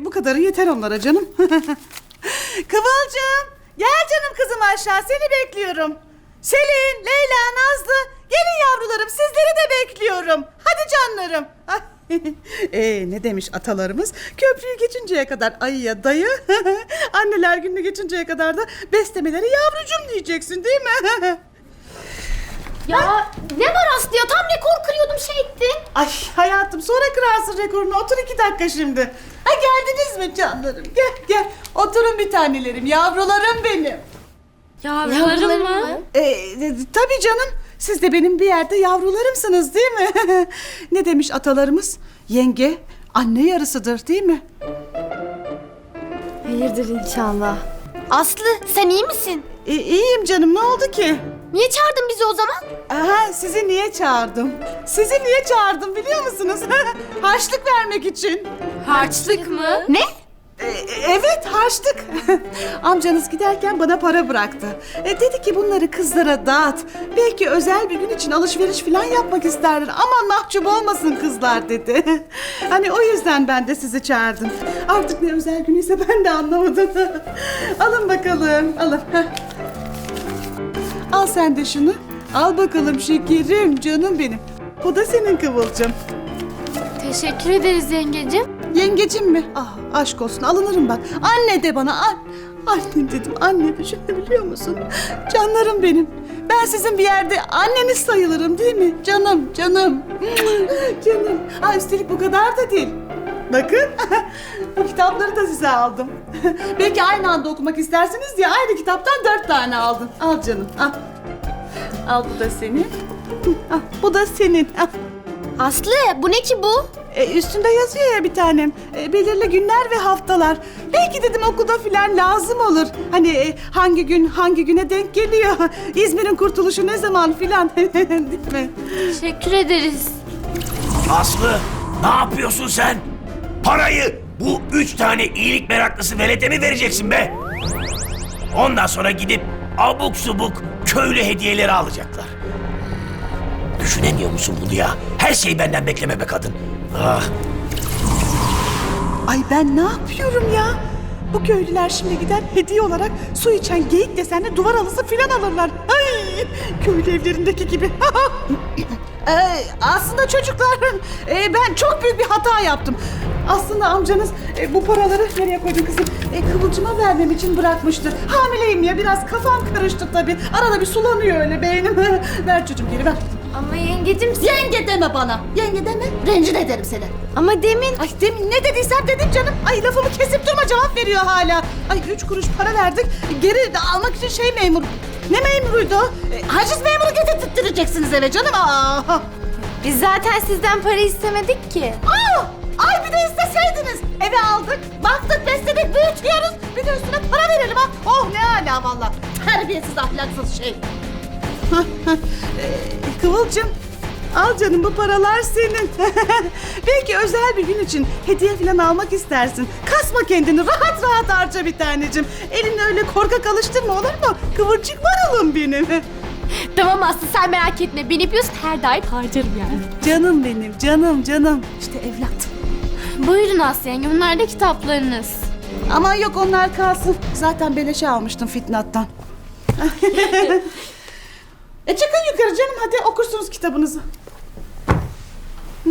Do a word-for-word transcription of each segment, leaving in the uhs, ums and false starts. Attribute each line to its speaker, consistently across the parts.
Speaker 1: bu kadarı yeter onlara canım. Kıvılcım, gel canım kızım aşağı, seni bekliyorum. Selin, Leyla, Nazlı, gelin yavrularım, sizleri de bekliyorum. Hadi canlarım. Ee, ne demiş atalarımız? Köprüyü geçinceye kadar ayıya dayı, anneler gününü geçinceye kadar da beslemeleri yavrucum diyeceksin değil mi?
Speaker 2: Ya ne var Aslı ya? Tam rekor kırıyordum şey ettin.
Speaker 1: Ay hayatım, sonra kırarsın rekorunu. Otur iki dakika şimdi. Ha, geldiniz mi canlarım? Gel gel. Oturun bir tanelerim, yavrularım benim.
Speaker 2: Yavrularım mı?
Speaker 1: Ee, e, tabii canım. Siz de benim bir yerde yavrularımsınız değil mi? Ne demiş atalarımız? Yenge anne yarısıdır değil mi?
Speaker 2: Hayırdır inşallah. Aslı sen iyi misin?
Speaker 1: E, iyiyim canım, ne oldu ki?
Speaker 2: Niye çağırdın bizi o zaman?
Speaker 1: Aha, sizi niye çağırdım? Sizi niye çağırdım biliyor musunuz? Harçlık vermek için.
Speaker 2: Harçlık mı? Ne?
Speaker 1: E, evet, harçlık. Amcanız giderken bana para bıraktı. E, dedi ki bunları kızlara dağıt. Belki özel bir gün için alışveriş falan yapmak isterler. Aman mahcup olmasın kızlar dedi. Hani o yüzden ben de sizi çağırdım. Artık ne özel günüyse ben de anlamadım. Alın bakalım, alın. Al sen de şunu. Al bakalım şekerim, canım benim. Bu da senin Kıvılcım.
Speaker 2: Teşekkür ederiz yengecim.
Speaker 1: Yengecim mi? Ah, aşk olsun, alınırım bak. Anne de bana. An Annem dedim, anne, düşünebiliyor musun? Canlarım benim. Ben sizin bir yerde anneniz sayılırım değil mi? Canım, canım. Canım. Ha, üstelik bu kadar da değil. Bakın, bu kitapları da size aldım. Belki aynı anda okumak istersiniz diye aynı kitaptan dört tane aldım. Al canım, al. Al, bu da senin. Al, bu da senin. Al.
Speaker 2: Aslı bu ne ki bu?
Speaker 1: E, üstünde yazıyor ya bir tanem. E, belirli günler ve haftalar. Belki dedim okulda filan lazım olur. Hani e, hangi gün hangi güne denk geliyor. İzmir'in kurtuluşu ne zaman filan. Değil mi?
Speaker 2: Teşekkür ederiz.
Speaker 3: Aslı, ne yapıyorsun sen? Parayı bu üç tane iyilik meraklısı velete mi vereceksin be? Ondan sonra gidip abuk subuk köylü hediyeleri alacaklar. Düşünemiyor musun bunu ya? Her şeyi benden bekleme be kadın. Ah.
Speaker 1: Ay ben ne yapıyorum ya? Bu köylüler şimdi gider hediye olarak su içen geyik desenli duvar halısı filan alırlar. Ay, köylü evlerindeki gibi. Ee, aslında çocuklar, e, ben çok büyük bir hata yaptım. Aslında amcanız e, bu paraları nereye koydun kızım? E, Kıvılcım'a vermem için bırakmıştı. Hamileyim ya, biraz kafam karıştı tabii. Arada bir sulanıyor öyle beynim. Ver çocuğum, geri ver.
Speaker 2: Ama yengecim sen...
Speaker 1: Yenge deme bana. Yenge deme, rencide ederim seni.
Speaker 2: Ama demin...
Speaker 1: Ay demin ne dediysem dedim canım. Ay lafımı kesip durma, cevap veriyor hala. Ay üç kuruş para verdik. Geri de almak için şey memur. Ne memuruydu o? E, haciz memuru getirttireceksiniz eve canım. Aa.
Speaker 2: Biz zaten sizden para istemedik ki.
Speaker 1: Aa! Ay bir de isteseydiniz. Eve aldık, baktık, besledik, büyütüyoruz. Bir de üstüne para verelim ha. Oh ne âlâ valla. Terbiyesiz, ahlaksız şey. ee, Kıvılcım, al canım, bu paralar senin. Belki özel bir gün için hediye falan almak istersin. Kasma kendini, rahat rahat harca bir tanecim. Elini öyle korkak alıştırma, olur mu? Kıvırcık marulum benim.
Speaker 2: Tamam Aslı sen merak etme. Beni yapıyorsun her daim harcarım yani.
Speaker 1: Canım benim, canım canım. İşte evlat.
Speaker 2: Buyurun Aslı yenge bunlar da kitaplarınız.
Speaker 1: Ama yok, onlar kalsın. Zaten beleşe almıştım Fitnat'tan. E çıkın yukarı canım, hadi okursunuz kitabınızı. Hı.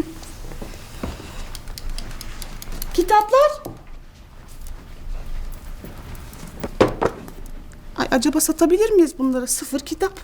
Speaker 1: Kitaplar. Ay acaba satabilir miyiz bunları? Sıfır kitap.